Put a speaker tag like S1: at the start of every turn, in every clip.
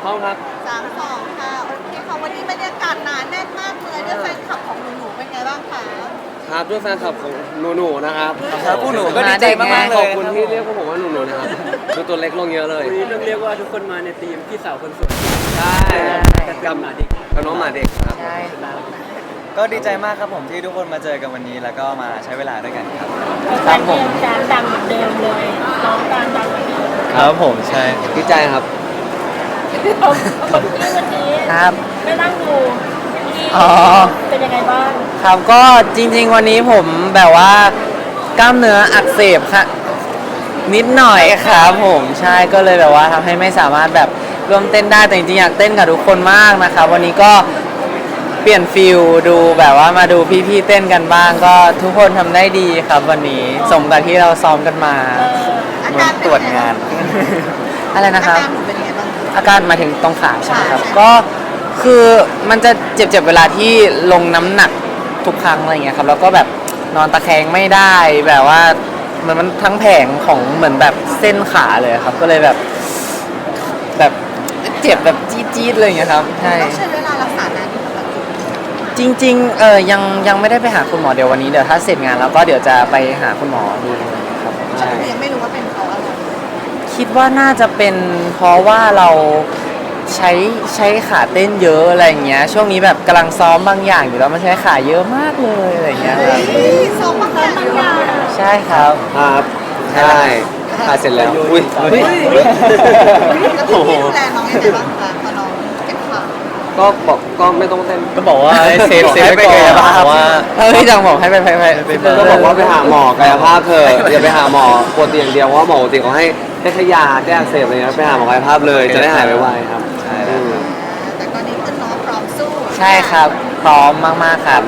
S1: พร้อมครับ
S2: 3-2ค่ะโอเคค่ะวันนี้บรรยากาศหนาแน่นมากเลยด้วยแฟนคลับของหนูๆเป็นไงบ้างคะ
S1: ครับด้วยแฟนคลับของหนูๆนะครับ
S3: ครับพวกหนูก็ดีใจมากๆเลย
S1: ขอบคุณที่เรียกพวกผมว่าหนูๆนะครับดูตัวเล็กลงเยอะเลย
S4: วันนี้ต้องเรียกว่าทุกคนมาในทีมพี่สาวคนสวย
S1: ใช่
S4: กับหมาเด็ก
S1: กับน้องหมาเด็กครับ
S3: ใช่ก็ดีใจมากครับผมที่ทุกคนมาเจอกันวันนี้แล้วก็มาใช้เวลาด้วยกันครับ
S5: การเดิมการดังเหมือนเดิมเลยน้องการดังเหมือนเดิม
S3: ครับผมใช่
S1: ดีใจครับ
S5: เอาคนที่วันนี้
S3: ครับ
S5: ไม่นั่งดูที่
S3: อ๋อ
S5: เป็นยังไงบ้าง
S3: ครับก็จริงๆวันนี้ผมแบบว่ากล้ามเนื้ออักเสบค่ะนิดหน่อยครับผมใช่ก็เลยแบบว่าทำให้ไม่สามารถแบบร่วมเต้นได้แต่จริงๆอยากเต้นกับทุกคนมากนะครับวันนี้ก็เปลี่ยนฟิลดูแบบว่ามาดูพี่ๆเต้นกันบ้างก็ทุกคนทำได้ดีครับวันนี้สมกับที่เราซ้อมกันมา
S2: อา
S3: เหมื
S2: กา
S3: อ
S2: ร
S3: นตรวจงาน อะไรนะ
S2: อา
S3: ครับ
S2: การหนูเป็นยังไงบ้าง
S3: อาการมาถึงตรงขาใช่ไหมครับ
S2: ใช่
S3: ก็คือมันจะเจ็บๆเวลาที่ลงน้ำหนักทุกครั้งอะไรเงี้ยครับแล้วก็แบบนอนตะแคงไม่ได้แบบว่ามันทั้งแผงของเหมือนแบบเส้นขาเลยครับ ก็เลยแบบเจ็บแบบจี๊ดๆเลยอย่างเงี้ยครับใช่
S2: ต้องใช้เวลารักษานานที่สุดแบบ
S3: จริงๆยังไม่ได้ไปหาคุณหมอเดี๋ยววันนี้เดี๋ยวถ้าเสร็จงานแล้วก็เดี๋ยวจะไปหาคุณหมอดูครับ
S2: ก็
S3: ใช่
S2: คือยังไม่รู้ว่าเป็นเพราะอะไร
S3: คิดว่าน่าจะเป็นเพราะว่าเราใช้ขาเต้นเยอะอะไรอย่างเงี้ยช่วงนี้แบบกำลังซ้อมบางอย่างอยู่แล้วมันใช้ขาเยอะมากเลยอะไรอย่างเงี้ยครับ
S2: เฮ้ยซ้อมบางอย่าง
S3: ใช่ครับ
S1: ครับใช่ถ่ายเสร็จแล้วอุ้ย
S2: แล้วพี่ดูแลน้องยังไงบ้างคะพอน้องเจ็บขา
S1: ก็บอกก็ไม่ต้องเต้น
S3: ก็บอกว่าเซฟไว้ก่อนว่าพี่จังบอกให้ไป
S1: ก็บอกว่าไปหาหมอกายภาพเถอะอย่าไปหาหมอปวดเตียางเดียวเพราะว่าหมอปกติเขาให้แค่ยาแก้อักเสบอะไรเงี้ยไปหาหมอกายภาพเลยจะได้หายไวๆครับ
S3: ใช่แล้วครับ
S2: แต่ตอนนี้คือน้องพร้อมสู้
S3: ใช่ครับพร้อมมากๆครับ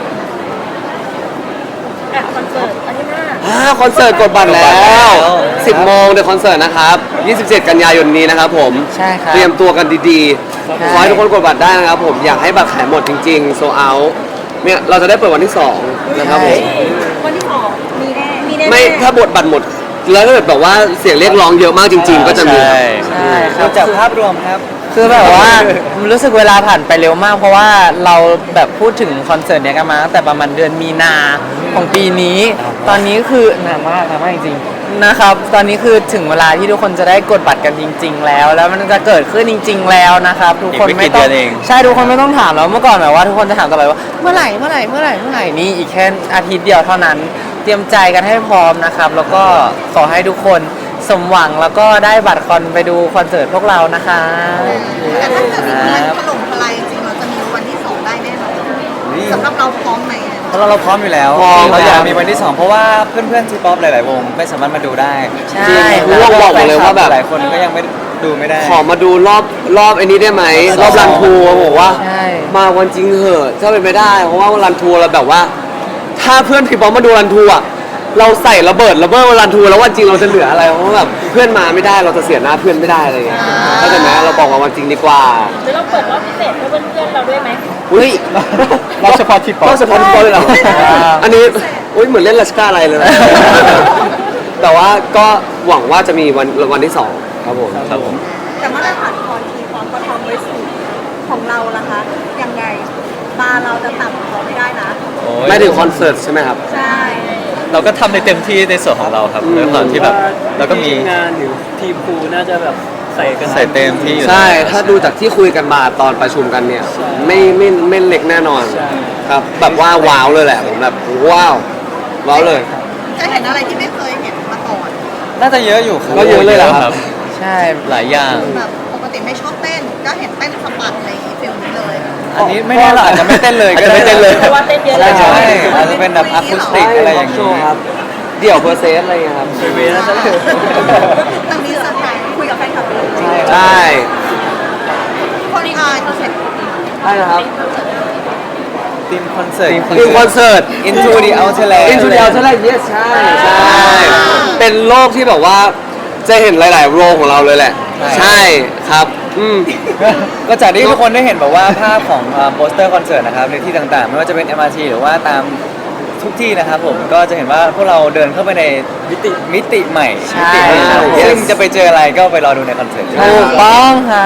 S5: อ่ะคอนเสิร์ตอาทิตย์หน้า
S1: คอนเสิร์ตกดบัตรแล้ว 10 โมงเดี๋ยวคอนเสิร์ตนะครับ 27 กันยายนนี้นะครับผม
S3: ใช่ครับ
S1: เตรียมตัวกันดี
S3: ใช่
S1: ๆ ขอให้ทุกคนกดบัตรได้นะครับผม อยากให้บัตรขายหมดจริงๆ โซเอาเนี่ยเราจะได้เปิดวันที่ 2 นะครับผม
S5: วันที่2มีแน่มีแน่
S1: ไม่ถ้าบทบัตรหมด แล้วถ้าเกิดแบบว่าเสียงเรียกร้องเยอะมากจริง ๆ ก็จะมีครับ
S3: ใช่ครับ
S6: จากภาพรวมครับ
S3: คือแบบว่า รู้สึกเวลาผ่านไปเร็วมาก เพราะว่าเราแบบพูดถึงคอนเสิร์ตเนี้ยกันมาตั้งแต่ประมาณเดือนมีนาของปีนี้ ตอนนี้คือนานมากจริงๆนะครับ ตอนนี้คือถึงเวลาที่ทุกคนจะได้กดบัตรกันจริง ๆ แล้ว แล้วมันจะเกิดขึ้นจริง ๆ แล้วนะครับ ทุกคน
S6: อีกไม่
S3: ไม่
S6: กี่
S3: ต้อง
S6: เดือนเอง
S3: ใช่ทุกคนไม่ต้องถามแล้วเมื่อก่อนแบบว่าทุกคนจะถามตลอดว่าเมื่อไหร่นี่อีกแค่อาทิตย์เดียวเท่านั้น เตรียมใจกันให้พร้อมนะครับ แล้วก็ขอให้ทุกคนสมหวังแล้วก็ได้บัตรคอนไปดูคอนเสิร์ตพวกเรานะคะ
S2: แต่ถ้าเกิดมีมันถล่มทลายจริงๆเราจะมีวันที่ 2 ได้แน่นอนสำหรับเราพร้อมไหม
S6: เพราะเราพร้อมอยู่แล้ว
S1: พร้อม
S6: เราอยากมีวันที่ 2 เพราะว่าเพื่อนๆทีป๊อปหลายๆวงไม่สามารถมาดูได้
S3: ใช่
S1: รู้ว่าบอกหมดเลยว่าแบบ
S6: หลายคนก็ยังไม่ดูไม่ได้
S1: ขอมาดูรอบไอ้นี้ได้ไหมรอบรันทัวร์บอกว่า
S3: ใช่
S1: มาวันจริงเหอะถ้าเป็นไม่ได้ เพราะว่ารันทัวร์เราแบบว่า ถ้าเพื่อนพี่ป๊อปมาดูรันทัวร์เราใส่ระเบิดรันทัวร์แล้ววันจริงเราจะเหลืออะไรเพราะว่าแบบเพื่อนมาไม่ได้เราจะเสียหน้าเพื่อนไม่ได้อะไรอย่างเงี้ยเข้าใจไหมเราบอกว่าวันจริงดีกว่า
S5: หรือเราเปิดรอบพิเศษให้เพื่อนๆเราด้วยไหม
S1: อุ้ย
S6: เราเฉพาะทีป๊อป
S1: ก็เฉพาะพี่ป๊อปเลยเหรออันนี้อุ้ยเหมือนเล่นลัสกาอะไรเลยนะแต่ว่าก็หวังว่าจะมีวันที่ 2ครับผม
S6: ครับผม
S2: แต่มาตรฐานคอนทีพร้อมก็ทำไว้สูงของเราล่ะคะยังไงบาร์เราจะต่ำกว่าเขาไม่ได้นะ
S6: โอ้ย
S1: ไม่ถึงคอนเสิร์ตใช่ไหมครับ
S2: ใช่
S6: เราก็ทำในเต็มที่ในส่วนของเราครับ
S1: อืม
S6: ด้วยความที่แบบเราก็มี
S4: ทีงานหรือทีมครูน่าจะแบบใส่กัน
S6: ใส่เต็มที่อยู่
S1: ใช่ ถ้าดูจากที่คุยกันมาตอนประชุมกันเนี่ย ไม่เล็กแน่นอน ครับ แบบว่าว้าวเลยแหละ ผมแบบว้าวเลย
S2: จะเห็นอะไรที่ไม่เคยเห็นมาก่อน
S6: น่าจะเยอะอยู่ครับ
S1: ก็เยอะเลยเหรอครับ
S3: ใช่
S6: หลายอย่าง
S2: แบบปกติไม่ชอบเต้นก็เห็นเต้นสะบัดอะไรอย่างงี้ฟิลนี้เลย
S6: อันนี้ไม่แน่เราอาจจะไม่เต้นเลยก็
S1: อาจจะไม่เต้นเลย
S5: เพราะว่าเต้นเยอะ
S6: ใช่
S5: แล้ว
S6: ใช่อาจจะเป็นแบบอะคูสติกอะไรอย่าง
S1: โช
S6: นี้
S1: ว์ครับ เดี่ยวเพอร์เซสอะไรอย่างเงี้ยครับ
S4: เวน่าจะ
S2: ตรงนี้เซอร์ไพรส์คุยกับแฟนคลับเลย
S1: ใช่
S2: คนเสร็จ
S1: ใช่นะครับ
S6: ทีมคอนเสิร์ต
S1: ทีมคอนเสิร์ต
S6: Into the Outer Land
S1: Into the Outer Land yes ใช่ เป็นโลกที่แบบว่าจะเห็นหลายๆโรงของเราเลยแหละ ใช่ครับ
S6: ก็จากที่ทุกคนได้เห็นแบบว่าภาพของโปสเตอร์คอนเสิร์ตนะครับในที่ต่างๆ ไม่ว่าจะเป็น MRT หรือว่าตามทุกที่นะครับผมก็จะเห็นว่าพวกเราเดินเข้าไปในมิติใหม่
S3: ใช่
S6: มิติใหม่ครับ
S1: Yes
S6: ซึ่งจะไปเจออะไรก็ไปรอดูในคอนเสิร์ต
S3: ถูกต้องครับ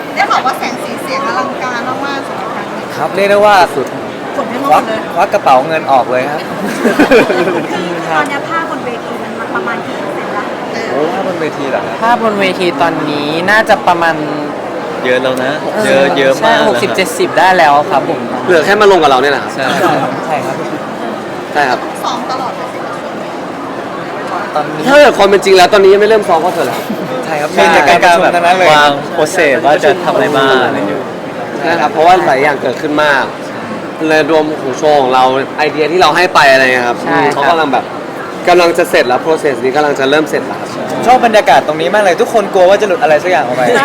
S2: ได้บอกว่าแสงสีเสียงอลังการมากๆสำหรับครั้งนี้
S6: ครับเรียกได้ว่าสุด
S2: ขนให้ง
S6: ควั
S2: ง
S6: ก
S2: เลย
S6: ควักกระเป๋าเงินออกเลยครับ
S2: ตอนนี้ภาพบนเวทีมันประมาณกี่เปอร์เซ็นต์ละ
S6: โอ้ถ้าบนเวทีเหรอครับ
S3: ภาพบนเวทีตอนนี้น่าจะประมาณ
S6: เยอะแล้วนะ เยอะเยอะมาก
S3: ใช่
S6: แล้วครับ
S3: 60-70 ได้แล้วครับผม
S1: เหลือแค่มาลงกับเราเนี่ยแหละครับ
S6: ใช่ใช่ครับ
S1: ใช่ครับ
S2: ซ้อมตลอดเลยสิคะช่วงนี้
S6: ตอนนี้
S1: ถ้าเกิดความเป็นจริงแล้วตอนนี้ยังไม่เริ่มซ้อมก็เถอะแล้ว
S6: ใช่ครับ
S1: ใช่
S6: เป็นจากการประชุมทั้งนั้นเลย
S4: วางโปรเซสว่าจะทำอะไรบ้างอะไรอยู่
S1: นะครับเพราะว่าหลายอย่างเกิดขึ้นมากเลยรวมของโชว์ของเราไอเดียที่เราให้ไปอะไรเงี้ยครับ
S3: ใช่ครับ
S1: เขากำลังแบบกำลังจะเสร็จแล้ว process นี้กำลังจะเริ่มเสร็จแล้วครับ
S6: ชอบบรรยากาศตรงนี้มากเลย ทุกคนกลัวว่าจะหลุดอะไรสักอย่างออกไป
S2: ใช่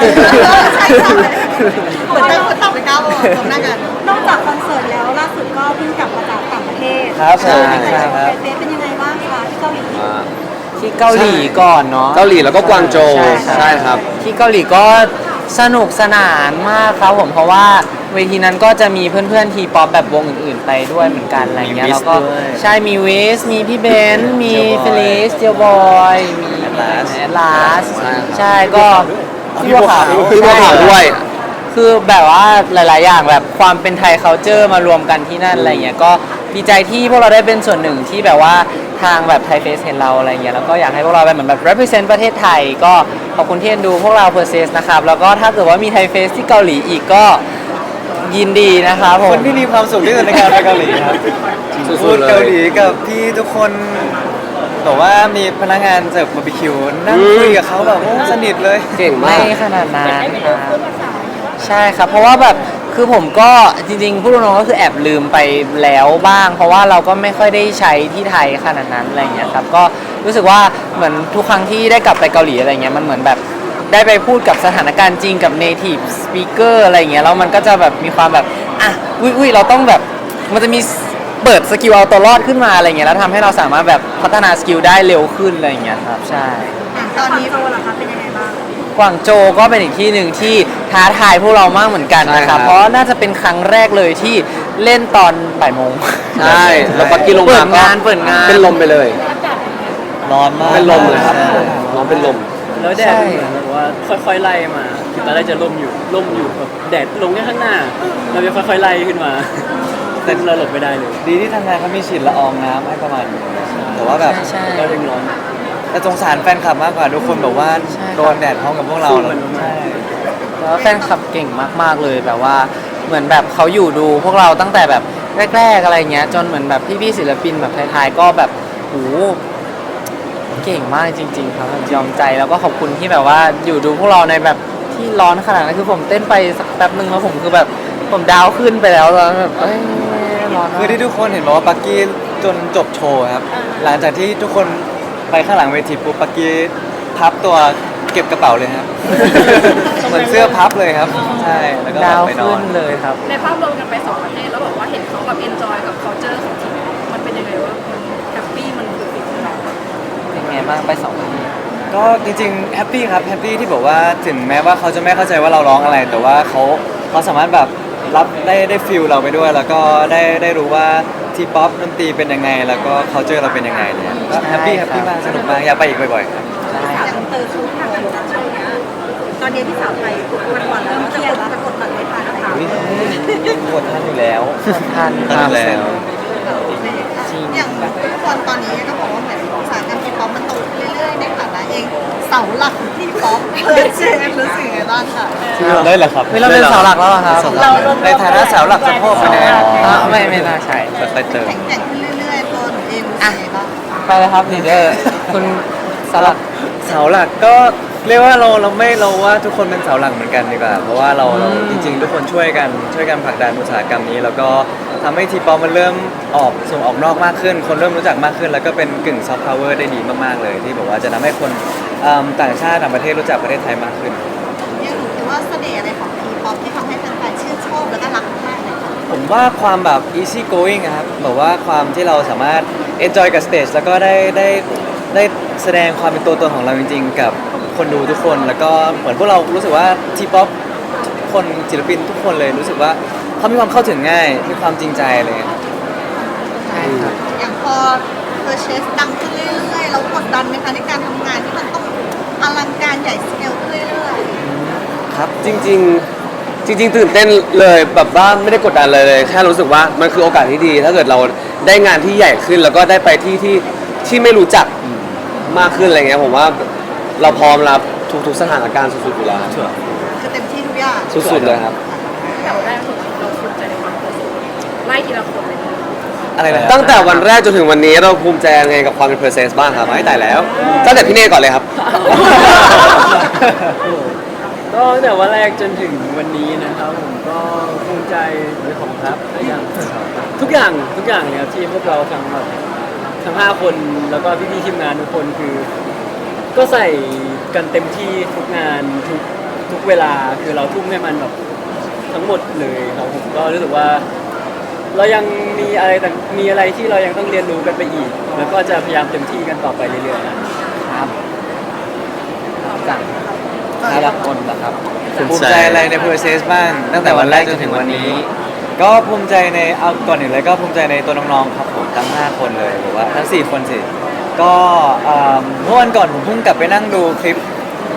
S2: เหมือนต้องไปก้าวตรงหน้ากันนอกจากคอนเสิร์ตแล้วล่าสุดก็เพิ่งกลับมาจากต่างประเทศ
S6: ครับผม
S2: ใช่
S6: ใช่ครับ
S2: เฟซเป็นยังไงบ้างคะที่เกาหลี
S3: ที่เกาหลีก่อนเนาะ
S1: เกาหลีแล้วก็กวางโจว
S3: ใช่
S1: ใช่ครับ
S3: ที่เกาหลีก็สนุกสนานมากครับผมเพราะว่าเวทีนั้นก็จะมีเพื่อนๆทีป๊อปแบบวงอื่นๆไปด้วยเหมือนกันอะไรเงี้ย
S6: มี
S3: แล้วก็
S6: Wiz ด้วย
S3: ใช่มีวิสมีพี่เบนซ์มี
S6: Jailboy
S3: เฟลิสเจียวบอยมี
S6: Atlas
S3: แอดลาส
S1: ใช่ครับ
S3: ใช่ก็พี่บัวขาว
S1: พี่บัวขาวด้วย
S3: คือแบบว่าหลาย ๆ อย่างแบบความเป็นไทย culture มารวมกันที่นั่นอะไรเงี้ยก็ดีใจที่พวกเราได้เป็นส่วนหนึ่งที่แบบว่าทางแบบไทยเฟสเห็นเราอะไรเงี้ยแล้วก็อยากให้พวกเราเป็นเหมือนแบบ represent ประเทศไทยก็ขอบคุณที่เอ็นดูพวกเรา Perses นะครับแล้วก็ถ้าเกิดว่ามีไทยเฟสที่เกาหลีอีกก็ยินดีนะครับผ
S6: ค
S3: ม
S6: นที่มีความสุขที่สุดในการไปเกาหลีครับ
S1: สุดๆ
S6: พูด
S1: เลย
S6: เกาหลีกับพี่ทุกคนบอกว่ามีพนักงานเสิร์ฟบาร์บีคิวนั่งคุยกับเขาแบบโอ้สนิทเลย
S1: เก่ง
S3: ไม่
S1: มาก
S3: ขนาดนั้นครับใช่ครับ เพราะว่าแบบคือผมก็จริงๆพูดตรงๆก็คือแอบลืมไปแล้วบ้าง เพราะว่าเราก็ไม่ค่อยได้ใช้ที่ไทยขนาดนั้นอะไรเงี้ยครับก็รู้สึกว่าเหมือนทุกครั้งที่ได้กลับไปเกาหลีอะไรเงี้ยมันเหมือนแบบได้ไปพูดกับสถานการณ์จริงกับ native speaker อะไรเงี้ยแล้วมันก็จะแบบมีความแบบอ่ะอุ้ยเราต้องแบบมันจะมีเปิดสกิลเอาตัวรอดขึ้นมาอะไรเงี้ยแล้วทำให้เราสามารถแบบพัฒนาสกิลได้เร็วขึ้นอะไรเงี้ยครับใช่
S2: ตอนนี้โตล่ะคะเป็นยังไงบ้าง
S3: กวางโจวก็เป็นอีกที่หนึ่งที่ท้าทายพวกเรามากเหมือนกันนะค
S1: ใช่ครั
S3: รับ
S1: บ
S3: เพราะน่าจะเป็นครั้งแรกเลยที่เล่นตอนบ่ายโมง
S1: ใช่แล้วปักกี้ลง
S3: เปิ
S1: มา
S3: ด
S1: ก็
S3: งานเปิดงาน
S1: เป็นลมไปเลย
S6: ร้อนมาก
S1: เป็นลมเลยครับ
S6: ใช่
S1: น้องเป็นลม
S4: แล้วแดดมันเหมือนแบบว่าค่อยๆไล่มาคือตอนแรกจะร่มอยู่แบบแดดลงแค่ข้างหน้าเราจะค่อยๆไล่ขึ้นมาแต่เราหลบไม่ได้เลย
S6: ดีที่ทางงานเขามีฉีดละอองน้ำให้ประมาณนึงแต่ว่าแบบ
S3: ใช่
S4: ก็ยังร้อน
S6: แต่สงสารแฟนคลับมากกว่าทุกคนแบบว่า
S3: ใช่
S6: โดนแดดพร้อมกับพวกเรา
S4: สู้มัน
S6: ใช่
S3: แล้วแฟนคลับเก่งมากๆเลยแบบว่าเหมือนแบบเขาอยู่ดูพวกเราตั้งแต่แบบแรก ๆอะไรเงี้ยจนเหมือนแบบพี่ๆศิลปินแบบไทยๆก็แบบโหเก่งมากจริง ๆ ครับแบบยอมใจแล้วก็ขอบคุณที่แบบว่าอยู่ดูพวกเราในแบบที่ร้อนขนาดนั้นคือผมเต้นไปสักแป๊บนึงแล้วผมคือแบบผมดาวขึ้นไปแล้วแล้วแบบเอ้ยร้อนมาก
S6: คือที่ทุกคนเห็นบอกว่าปักกี้จนจบโชว์ครับ หลังจากที่ทุกคนไปข้างหลังเวทีปุ๊บปักกี้พับตัวเก็บกระเป๋าเลยครับ เหมือนเสื้อพับเลยครับ ใช่แล้วก็
S3: ดาว
S6: ไปนอ
S3: ขึ้
S6: น
S3: นเลยครับ
S5: ในภาพรวมกันไปสองประเทศแล้วบอกว่าเห็นเขาแบบเอนจอยกับ culture ของทีมมันเป็นยังไงวะมันแฮปปี้มันคือสิ่งที่เรา
S3: เป็นไงบ้างไปสองประเทศ
S6: ก็จริงๆแฮปปี้ครับแฮปปี้ที่บอกว่าถึงแม้ว่าเขาจะไม่เข้าใจว่าเราร้องอะไร แต่ว่าเขาสามารถแบบรับได้ฟิลเราไปด้วย แล้วก็ได้รู้ว่าทีป๊อปดนตรีเป็นยังไง แล้วก็เขาเจอเราเป็นยังไงเนี่ยก็แฮปปี้
S3: ใช่
S6: แฮ
S3: ครับ
S6: ปปี้มากสนุกมากอยากไปอีกบ่อยๆครับ
S2: อย่างชุดทางการช่วงเนี้ยตอนนี้พี่สาวไปวันๆเริ่มเครียดแล้วจะกดบัตรไม่ทันนะคะ
S6: ปวดท่านอยู่แล้ว
S3: ทันค
S6: ท่าน
S3: รั
S6: อบ ยู่แล้ว
S2: อย่างทุกคนตอนนี้ก็บอกว่าเหมือนอุตสาหกรรมทีป๊อปมันโตขึ้นเรื่อยๆในฐานะเองเสาหลักของทีป๊อปเชฟรู้สึกยังไงบ้างคะ
S6: เลยเหรอครับ
S3: ไม่เราเป็นเสาหลักแล้วเหรอครับ
S6: ในฐานะเสาหลักสะโพกไปแน่
S3: ไม่น่าใช่
S6: ไปเติม
S2: แข็งขึ้นเรื่อยๆตัวหนูเองรู้สึกยังไงบ้าง
S3: ไปเลยครับลีดเดอร์คุณเสาหลัก
S6: เสาหลักก็เรียกว่าเราว่าทุกคนเป็นเสาหลักเหมือนกันดีกว่าเพราะว่าเราจริงๆ ทุกคนช่วยกันผลักดันอุตสาหกรรมนี้ แล้วก็ทำให้ทีป๊อปมันเริ่มส่งออกนอกมากขึ้น คนเริ่มรู้จักมากขึ้น แล้วก็เป็นกึ่งซอฟต์พาวเวอร์ได้ดีมากๆเลย ที่บอกว่าจะทำให้คนต่างชาติต่างประเทศรู้จักประเทศไทยมากขึ้น
S2: ยังหนูคิดว่าเสน่ห์อะไรของทีป๊อปที่ทำให้แฟนๆชื่นชอบแล้วก็รักมากเลยคะ
S6: ผมว่าความแบบ easy going อะครับแบบว่าความที่เราสามารถ enjoy กับ stage แล้วก็ได้แสดงความเป็นตัวตนของเราจริงๆ กับคนดูทุกคน แล้วก็เหมือนพวกเรารู้สึกว่าทีป๊อปคนศิลปินทุกคนเลยรู้สึกว่าเขามีความเข้าถึงง่าย มีความจริงใจอะไรเลย
S3: ใช่ครับ
S2: อย่างพอเพอร์เชสดังขึ้นเรื่อยๆเรากดดันไหมคะในการทำงานที่มันต้องอลังการใหญ่สเกลขึ้นเรื่อย
S6: คครับ
S1: จริงๆตื่นเต้นเลยแบบว่าไม่ได้กดดันเลยแค่รู้สึกว่ามันคือโอกาสที่ดี ถ้าเกิดเราได้งานที่ใหญ่ขึ้น แล้วก็ได้ไปที่ไม่รู้จักมากขึ้นอะไรเงี้ยผมว่าเราพร้อมรับทุกสถานการณ์สุดๆอยู่แล้ว
S2: คือเต็มที่ทุกอย่าง
S1: สุดๆเลยครับ
S5: แต่วันแรกเราภูมิใจในความเป็นไล่ทีละคนเลย
S6: อะไรนะ
S1: ตั้งแต่วันแรกจนถึงวันนี้เราภูมิใจยังไงกับความเป็นเพอร์เซสบ้างครับไม่แต่แล้วตั้งแต่พี่เน่ก่อนเลยครับ
S4: ก็ตั้งแต่วันแรกจนถึงวันนี้นะครับผมก็ภูมิใจในของครับทุกอย่างเลยครับที่พวกเราทั้ง5 คนแล้วก็พี่ๆทีมงานทุกคนคือ ก็ใส่กันเต็มที่ทุกงานทุกเวลาคือเราทุ่มให้มันแบบทั้งหมดเลยครับผมก็รู้สึกว่า เรายังมีอะไรที่เรายังต้องเรียนรู้กันไปอีก แล้วก็จะพยายามเต็มที่กันต่อไปเรื่อยๆนะครับ
S3: จากแต่ละคนนะครับ
S6: ภูมิใจอะไรใน process บ้างตั้งแต่วันแรกจนถึงวันนี้ ก็ภูมิใจในเอาก่อนอื่นเลยก็ภูมิใจในตัวน้องๆครับผมทั้ง5 คนเลยหรือว่าทั้ง4 คนสิก็เมื่อวันก่อนผมเพิ่งกลับไปนั่งดูคลิป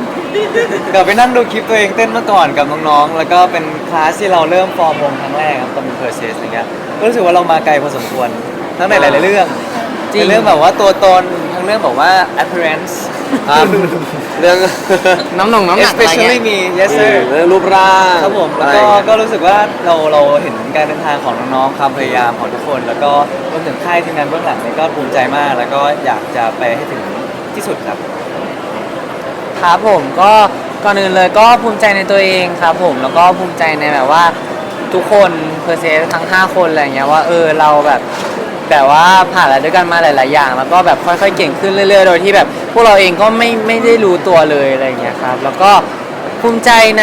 S6: ตัวเองเต้นเมื่อก่อนกับน้องๆแล้วก็เป็นคลาสที่เราเริ่มฟอร์มวงครั้งแรกครับตอนเป็น process อะไรเงี้ยก็รู้สึกว่าเรามาไกลพอสมควรทั้งในหลายๆเรื่อง
S3: จริง
S6: ในเรื่องแบบว่าตัวตนทั้งเรื่องแบบว่า appearance
S1: ครับเรื่อง
S3: น้ำหนักอะไรเงี้
S6: especially
S3: ย
S6: me yes sir
S1: เรื่องรูปร่าง
S6: ครับผมแล้ว
S1: อะไร
S6: ก็
S1: อย่างเงี้ย
S6: ก็รู้สึกว่าเราเห็นการเดินทางของน้องๆความพยายามของทุกคน แล้วก็รวมถึงค่ายทีมงานเบื้องหลังนี่ก็ภูมิใจมาก แล้วก็อยากจะไปให้ถึงที่สุดครับ
S3: ครับผมก็ก่อนอื่นเลยก็ภูมิใจในตัวเองครับผมแล้วก็ภูมิใจในแบบว่าทุกคนเพอร์เซสทั้ง5 คนอะไรเงี้ยว่าเราแบบว่าผ่านอะไรด้วยกันมาหลายๆอย่าง แล้วก็แบบค่อยๆเก่งขึ้นเรื่อยๆโดยที่แบบพวกเราเองก็ไม่ได้รู้ตัวเลยอะไรเงี้ยครับแล้วก็ภูมิใจใน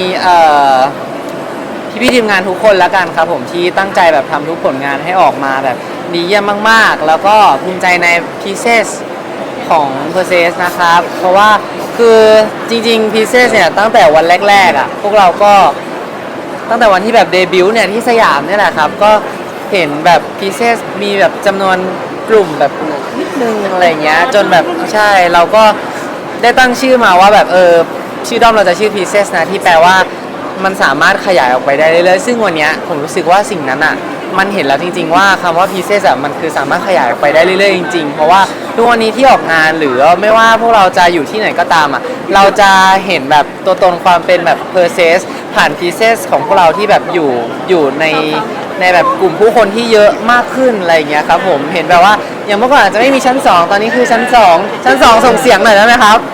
S3: พี่ๆทีมงานทุกคนแล้วกันครับผมที่ตั้งใจแบบทำทุกผลงานให้ออกมาแบบดีเยี่ยมมากๆ แล้วก็ภูมิใจใน Pieces ของ p e r s e s นะครับ เพราะว่าคือจริงๆ Pieces เนี่ยตั้งแต่วันแรกๆอ่ะพวกเราก็ตั้งแต่วันที่แบบเดบิวต์เนี่ยที่สยามเนี่ยแหละครับก็เห็นแบบ Pieces มีแบบจำนวนกลุ่มแบบนิดนึงอะไรเงี้ยจนแบบใช่เราก็ได้ตั้งชื่อมาว่าแบบชื่อด้อมเราจะชื่อ Pieces นะที่แปลว่ามันสามารถขยายออกไปได้เรื่อยๆซึ่งวันเนี้ยผมรู้สึกว่าสิ่งนั้นอ่ะมันเห็นแล้วจริงๆว่าคำว่า Pieces อ่ะมันคือสามารถขยายออกไปได้เรื่อยๆจริงๆเพราะว่าทุกวันนี้ที่ออกงานหรือไม่ว่าพวกเราจะอยู่ที่ไหนก็ตามอ่ะเราจะเห็นแบบตัวตนความเป็นแบบ Pieces ผ่าน Pieces ของพวกเราที่แบบอยู่ในแบบกลุ่มผู้คนที่เยอะมากขึ้นอะไรอย่างเงี้ยครับผมเห็นแบบว่าอย่างเมื่อก่อนอาจจะไม่มีชั้น 2 ตอนนี้คือชั้น 2 ชั้น 2 ส่งเสียงหน่อยได้ไหมครับ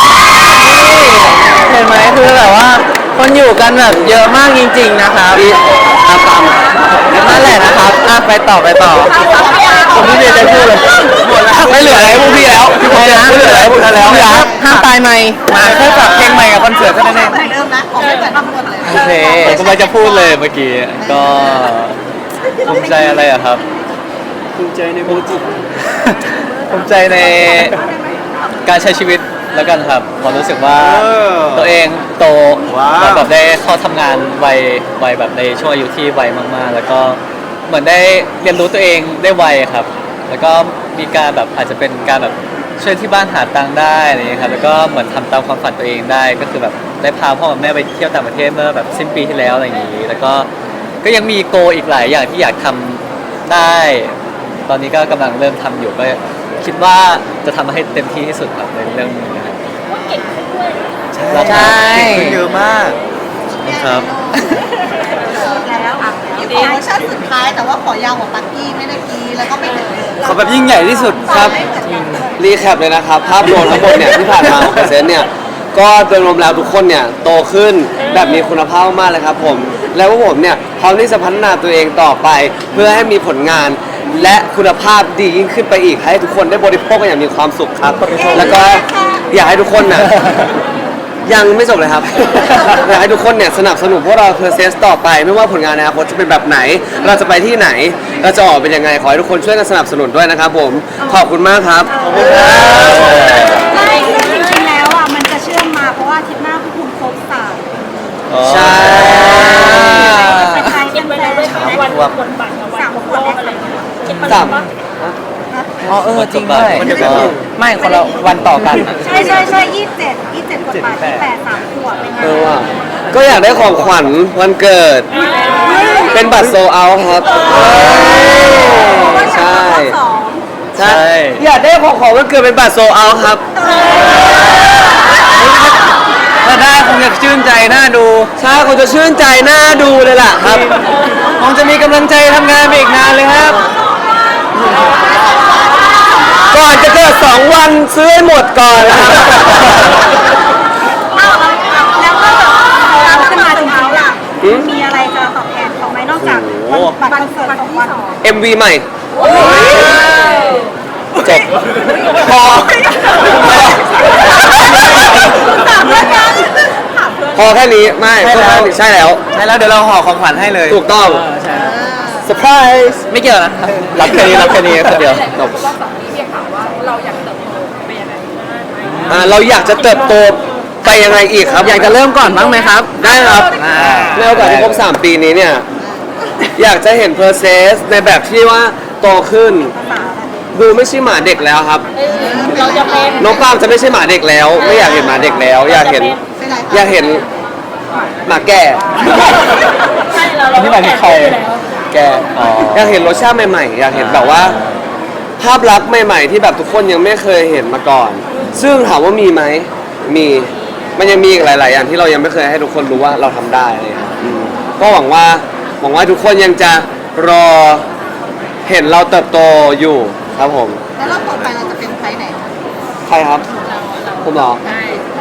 S3: เห็นไหมคือแบบว่าคนอยู่กันแบบเยอะมากจริงๆนะครับ
S1: ตาม
S3: นั่นแหละนะครับไปต่อผมไม่มีอะไรพูดเลยไม่เหลืออะไรให้พวกพี่แล้วไม่เหลืออะไรให้พวกท่านแล้วห้ามตายไหมมาแค่ฝากเพลงใหม่กับคอนเสิร์ตเท่านั้นเอง
S2: เหมือนเดิมนะออกไม่เหมือนทั้งหมดเลย
S3: โอเค
S6: ผมกำลังจะพูดเลยเมื่อกี้ก็ภูมิใจอะไรอะครับ
S4: ภูมิใจในโมจิ
S6: ภูมิใจในการใช้ชีวิตแล้วกันครับผมรู้สึกว่าตัวเองโตแล้วแบบได้เข้าทำงานวัยแบบในช่วงอายุที่ไวมากๆ แล้วก็เหมือนได้เรียนรู้ตัวเองได้ไวครับ แล้วก็มีการแบบอาจจะเป็นการแบบช่วยที่บ้านหาตังค์ได้อะไรอย่างเงี้ยครับแล้วก็เหมือนทำตามความฝันตัวเองได้ก็คือแบบได้พาพ่อกับแม่ไปเที่ยวต่างประเทศเมื่อแบบสิ้นปีที่แล้วอะไรอย่างงี้แล้วก็ยังมีโกอีกหลายอย่างที่อยากทำได้ ตอนนี้ก็กำลังเริ่มทำอยู่ก็คิดว่าจะทำให้เต็มที่ที่สุดครับในเรื่องนี้นะครับ
S3: ใช่
S6: เก่งขึ้นเยอะมากครับ
S2: แล้วที่ขอเวอร์ชันสุดท้ายแต่ว่าขอยาวกว่าปักกี้ไม่ได้กีแล้วก็ไม่เหมือนเดิม
S6: ขอแบบยิ่งใหญ่ที่สุดครับ
S2: ไม่เหมือนกัน
S1: รีแคปเลยนะครับ ภาพรวมทั้งหมดเนี่ยที่ผ่านมาของเปอร์เซ็นต์เนี่ยก็โดยรวมแล้วทุกคนเนี่ยโตขึ้นแบบมีคุณภาพมากเลยครับผมแล้วพวกผมเนี่ยพร้อมที่จะพัฒนาตัวเองต่อไป เพื่อให้มีผลงาน และคุณภาพดียิ่งขึ้นไปอีกให้ทุกคนได้บริโภคกันอย่างมีความสุขครับ แล้วก็อยากให้ทุกคนน่ะยังไม่จบเลยครับ อยากให้ทุกคนเนี่ยสนับสนุนพวกเราเพอร์เซสต่อไป ไม่ว่าผลงานในอนาคตจะเป็นแบบไหน เราจะไปที่ไหนเราจะออกเป็นยังไงขอให้ทุกคนช่วยกันสนับสนุนด้วยนะครับผมขอบคุณมากครับ
S2: ไม่ซึ่งจริงๆแล้วอ่ะมันจะเชื่อมมาเพราะว่าอาทิตย์หน้าพวกคุณครบ3
S1: ใช่
S2: เป็นใครเป็นแฟน
S1: สาม
S3: อ๋อจริงด้วย
S6: มันเดียวกัน
S3: ไม่คนละวันต่อกัน
S2: ใช่27กดบัตร28 3 ขวบเป็นไง
S1: ว่ะก็อยากได้ของขวัญวันเกิด เป็นบัตรโซเอาครับ ใช่ ใช่ อยากได้ของวันเกิดเป็นบัตรโซเอาครับ
S6: ถ้าได้คงจะชื่นใจน่าดู
S1: ใช่คงจะชื่นใจน่าดูเลยล่ะครับ
S6: คงจะมีกำลังใจทำงานไปอีกนานเลยครับ
S1: ก่อนจะเกิด2 วันซื้อให้หมดก่อนนะครับ
S2: แล้วก็เราขึ้นมาจริงๆล่ะมีอะไรจะตอบแทนเขาไหมนอกจากบัตรคอนเสิร์ต2 วัน
S1: MV ใหม่ จบพอ พอแค่นี้ไม่
S6: ใช่แล้ว
S1: ใช่แล้ว
S6: ใช่แล้วเดี๋ยวเราห่อของขวัญให้เลย
S1: ถูกต้อง
S4: ใช่
S1: เซอร์ไพรส์
S6: ไม่เกี่ยวนะรับแค่นี้รับแค่นี้คนเดียว
S1: จบ
S5: รอบสองนี้เรียกถามว่าเราอยากเติบโตไปยังไง
S1: เราอยากจะเติบโตไปยังไงอีกครับ
S3: อยากจะเริ่มก่อนบ้างไหมครับ
S1: ได้ครับในโอกาสที่ครบ3 ปีนี้เนี่ย อยากจะเห็น process ในแบบที่ว่าโตขึ้น ดูไม่ใช่หมาเด็กแล้วครับ
S5: เราจะเป็น
S1: น้องปาล์มจะไม่ใช่หมาเด็กแล้ว ไม่อยากเห็นหมาเด็กแล้ว อยากเห็น
S2: เป็นไร
S1: อยากเห็นหมาแก่
S5: ใช่เรา
S6: นี่หมายถึงใคร
S1: แก่อยากเห็นรสชาติใหม่ๆ อยากเห็นแบบว่า ภาพลักษณ์ใหม่ ๆ ที่แบบทุกคนยังไม่เคยเห็นมาก่อน ซึ่งถามว่ามีไหมมี มันยังมีอีกหลาย ๆ อย่างที่เรายังไม่เคยให้ทุกคนรู้ว่าเราทำได้อะไรอย่างเลยครับก็หวังว่าทุกคนยังจะรอเห็นเราเติบโตอยู่ครับผม
S2: แล้วรอบต่อไปเราจะเป็นไฟไหน
S1: ใครครับ ผมเหรอ
S5: ใช่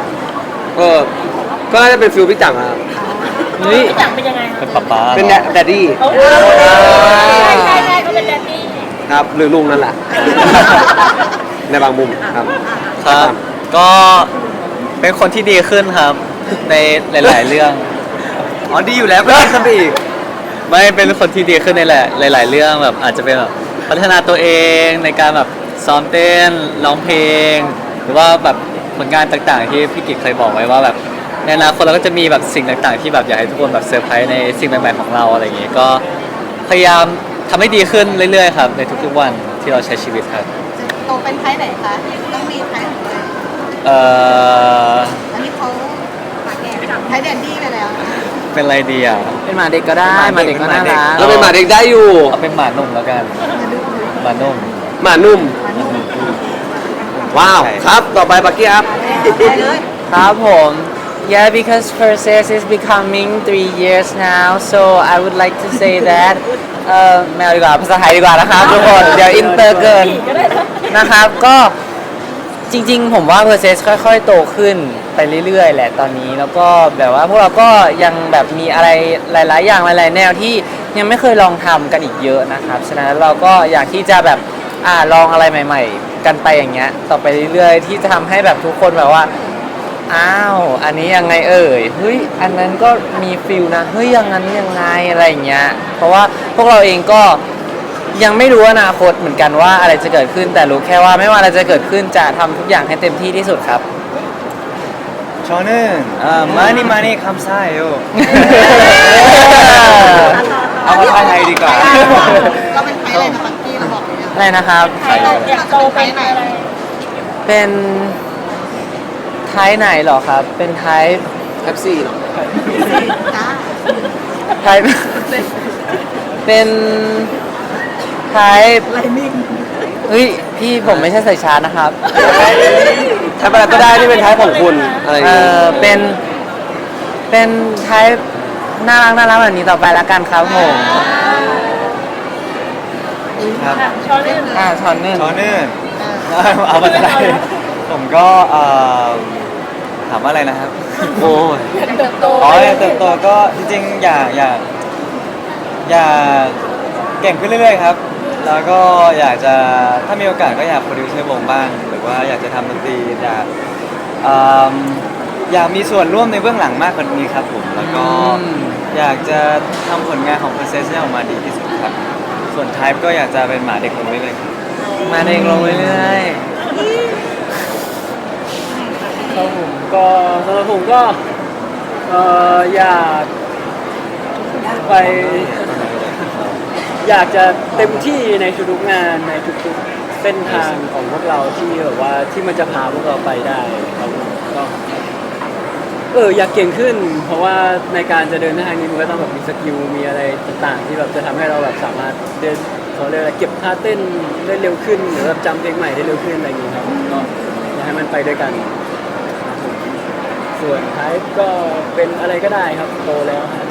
S1: ก็น่าจะเป็นฟิลพี่จังครับ
S3: นี่
S5: พี่จังเป็นยังไงคะ
S6: เป็นป๊าป๊า
S1: เป็นแดดดี้
S5: ใช่ใช่เขาเป็นแดนนี่
S1: ครับ หรือลุงนั่นแหละ ในบางมุมครับ
S6: ครับ ก็เป็นคนที่ดีขึ้นครับ ในหลาย ๆ เรื่อง อ๋อดีอยู่แล้วก็ดีขึ้นไปอีก ไม่เป็นคนที่ดีขึ้นในหลาย ๆ เรื่องแบบอาจจะเป็นแบบพัฒนาตัวเองในการแบบซ้อมเต้นร้องเพลง หรือว่าแบบผลงานต่าง ๆ ที่พี่กิจเคยบอกไว้ว่าแบบในอนาคตเราก็จะมีแบบสิ่งต่าง ๆ ที่แบบอยากให้ทุกคนแบบเซอร์ไพรส์ในสิ่งใหม่ ๆ ของเราอะไรอย่างงี้ก็พยายามทำให้ดีขึ้นเรื่อย ๆ ครับ ในทุก ๆ วันที่เราใช้ชีวิตครับ
S2: จะโตเป็นไฟไหนคะต้องมีไฟของตัวเอง
S6: เอ่อ
S2: อันนี้เขาหมาแก่ไฟแดนดี้ไปแล้ว
S6: เป็นอะไรดีอ่ะ
S3: เป็นหมาเด็กก็ได้หมาเด็กก็น่ารัก
S1: เราเป็นหมาเด็กได้อยู่
S6: เอาเป็นหมานุ่มแล้วกันหมานุ่ม
S1: หมานุ่ม ว้าว
S6: ใช่
S1: ครับ ต่อไปปักกี้ครับ
S2: ไปเลย
S3: ครับผม Yeah, because process is becoming 3 years now, so I would like to say that ไม่เอาดีกว่าภาษาไทยดีกว่านะครับทุกคนเดี๋ยวอินเตอร์เกินนะครับก็จริงๆ ผมว่า process ค่อยๆ โตขึ้นไปเรื่อยๆ แหละตอนนี้แล้วก็แบบว่าพวกเราก็ยังแบบมีอะไรหลายๆ อย่างหลายๆ แนวที่ยังไม่เคยลองทำกันอีกเยอะนะครับฉะนั้นเราก็อยากที่จะแบบลองอะไรใหม่ ๆ กันไปอย่างเงี้ยต่อไปเรื่อยๆ ที่จะทำให้แบบทุกคนแบบว่าอ้าวอันนี้ยังไงเอ่ยเฮ้ยอันนั้นก็มีฟิลนะเฮ้ยอย่างนั้นยังไงอะไรอย่างเงี้ยเพราะว่าพวกเราเองก็ยังไม่รู้อนาคตเหมือนกันว่าอะไรจะเกิดขึ้นแต่รู้แค่ว่าไม่ว่าอะไรจะเกิดขึ้นจะทำทุกอย่างให้เต็มที่ที่สุดครับ
S6: 저는 많이 감사해요. เอาภาษาไทยดีกว่า
S2: เราเป็นไฟอะไรนะปักกี้เราบอกเลยนะ
S3: อะไรนะครับ
S2: อยากโตไปไหน
S3: เป็นไทป์ไหนเหรอครับ เป็นไทป์
S1: แท็กซี่เนาะ
S2: จ้า
S3: ไทป์เป็นไทป์
S2: ไลนิ่ง
S3: เฮ้ยพี่ผมไม่ใช่ใส่ชาร์จนะครับ
S1: แท็บอะไรก็ได้ที่เป็นไทป์ของคุณอะไรอย่างเงี้ย
S3: เป็นไทป์น่ารักแบบนี้ต่อไปแล้วกันครับผม
S6: ครับ
S5: ช้อนเล่น
S3: ช้อนหนึ่ง
S6: 저는 เอาภาษาไทยผมก็ถามว่าอะไรนะครับ
S1: โอ้ย
S5: เติบโต
S6: อ๋ออยากเติบโตก็จริงๆอยากเก่งขึ้นเรื่อยๆครับ แล้วก็อยากจะถ้ามีโอกาสก็อยากโปรดิวเซอร์วงบ้าง หรือว่าอยากจะทำดนตรีอยากมีส่วนร่วมในเบื้องหลังมากกว่านี้ครับผมแล้วก็อยากจะทำผลงานของ Process ให้ออกมาดีที่สุดครับ ส่วน Type ก็อยากจะเป็นหมาเด็กคนนี้เลยครับ
S3: มาเองลงเรื่อย
S4: ครับผมก็สำหรับผมก็อยากไปอยากจะเต็มที่ในทุกๆงานในทุกๆเส้นทางของพวกเราที่แบบว่าที่มันจะพาพวกเราไปได้ครับผมก็อยากเก่งขึ้น เพราะว่าในการจะเดินทางนี้มันก็ต้องแบบมีสกิลมีอะไรต่างๆ ที่แบบจะทำให้เราแบบสามารถเดินเขาเรียกอะไรเก็บท่าเต้นได้เร็วขึ้นหรือแบบจำเพลงใหม่ได้เร็วขึ้นอะไรอย่างนี้ครับก็อยากให้มันไปด้วยกันครับผมส่วนท้ายก็เป็นอะไรก็ได้ครับโตแล้วครับ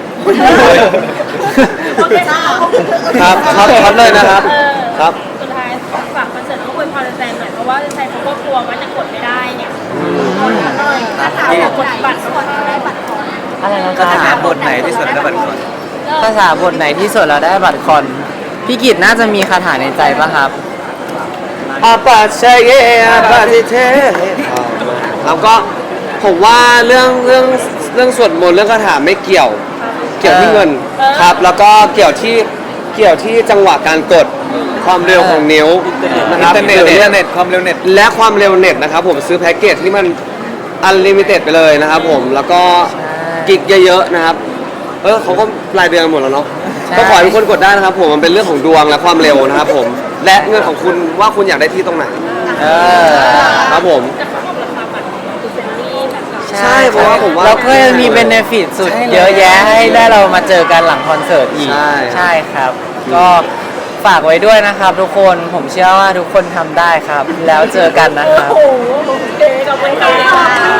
S5: โอเคค่ะ
S1: ครับครับเลยนะครับ ครับ
S5: สุดท้ายฝากคอนเสิร์ตแล้วก็อวยพรแฟนๆหน่อยเพราะว่าแฟนๆเขาก็กลัวว่าจะกดไม่ได้เนี่ยกดหน่อยถ้าถามว่ากดบัตรก็กดได้บัตรก่อน
S3: อะไรนะ
S6: คาถาบทไหนที่สุดแล้วบัตรคอน
S3: ภาษาบทไหนที่สุดเราได้บัตรคอนพี่กิตน่าจะมีคาถาในใจปะครับ
S1: อาปาเชเยอาปาติเทแล้วก็ผมว่าเรื่องสวดมนต์เรื่องคาถาไม่เกี่ยวที่เงินครับ แล้วก็เกี่ยวที่จังหวะการกดความเร็วของนิ้วนะค
S6: อิน
S1: รับ
S6: เทอร์เน็ต
S1: หรือ
S6: อินเทอร์เน็ตความเร็วเน็ต
S1: และความเร็วเน็ตนะครับผมซื้อแพ็กเกจที่มันอันลิมิเต็ดไปเลยนะครับผมแล้วก็กิกเยอะๆนะครับเขาก็รายเดือนหมดแล้วเนาะ
S3: ใช่
S1: ก็ขอให้ทุกคนกดได้นะครับผมมันเป็นเรื่องของดวงและความเร็วนะครับผมและเงินของคุณว่าคุณอยากได้ที่ตรงไหน
S3: เออ
S1: ครับผม
S5: แต่เขาบอกราคาบัตรคือเฟรนลี่แบบ
S1: ใช่เพราะว่าผมว่า
S3: แล้วก็ยังมีเบนฟิตสุดเยอะแยะให้ได้เรามาเจอกันหลังคอนเสิร์ตอีก
S1: ใช่
S3: ครับ ก็ฝากไว้ด้วยนะครับทุกคนผมเชื่อว่าทุกคนทำได้ครับ แล้วเจอกันนะครับ
S5: โอ้โหโอเคขอบคุณค่ะ